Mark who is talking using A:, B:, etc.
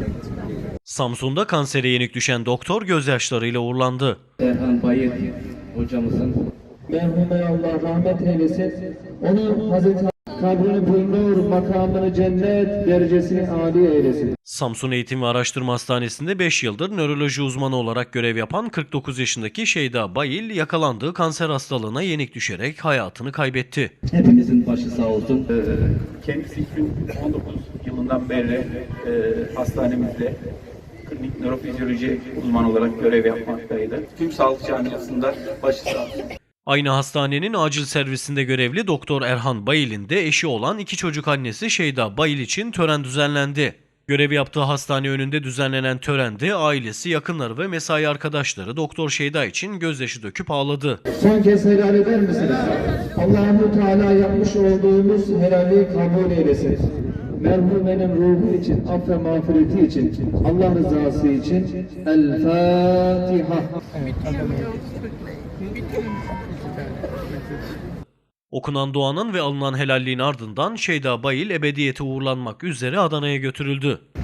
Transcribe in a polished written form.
A: Samsun'da kansere yenik düşen doktor gözyaşlarıyla uğurlandı.
B: Erhan Bayır hocamızın merhume Allah rahmet eylesin. Onu Hazreti kabrini bulunur, makamını cennet, derecesini âli eylesin.
A: Samsun Eğitim ve Araştırma Hastanesi'nde 5 yıldır nöroloji uzmanı olarak görev yapan 49 yaşındaki Şeyda Bayil yakalandığı kanser hastalığına yenik düşerek hayatını kaybetti.
B: Hepinizin başı sağ olsun.
C: Kendisi 2019 yılından beri hastanemizde klinik nörofizyoloji uzmanı olarak görev yapmaktaydı. Tüm sağlık camiasında başı sağ olsun.
A: Aynı hastanenin acil servisinde görevli Doktor Erhan Bayil'in de eşi olan 2 çocuk annesi Şeyda Bayil için tören düzenlendi. Görev yaptığı hastane önünde düzenlenen törende ailesi, yakınları ve mesai arkadaşları Doktor Şeyda için gözyaşı döküp ağladı.
B: Son kez helal eder misiniz? Allah-u Teala yapmış olduğumuz helali kabul eylesin. Merhumenin ruhu için, aff ve mağfireti için, Allah rızası için El Fatiha.
A: Okunan duanın ve alınan helalliğin ardından Şeyda Bayil ebediyete uğurlanmak üzere Adana'ya götürüldü.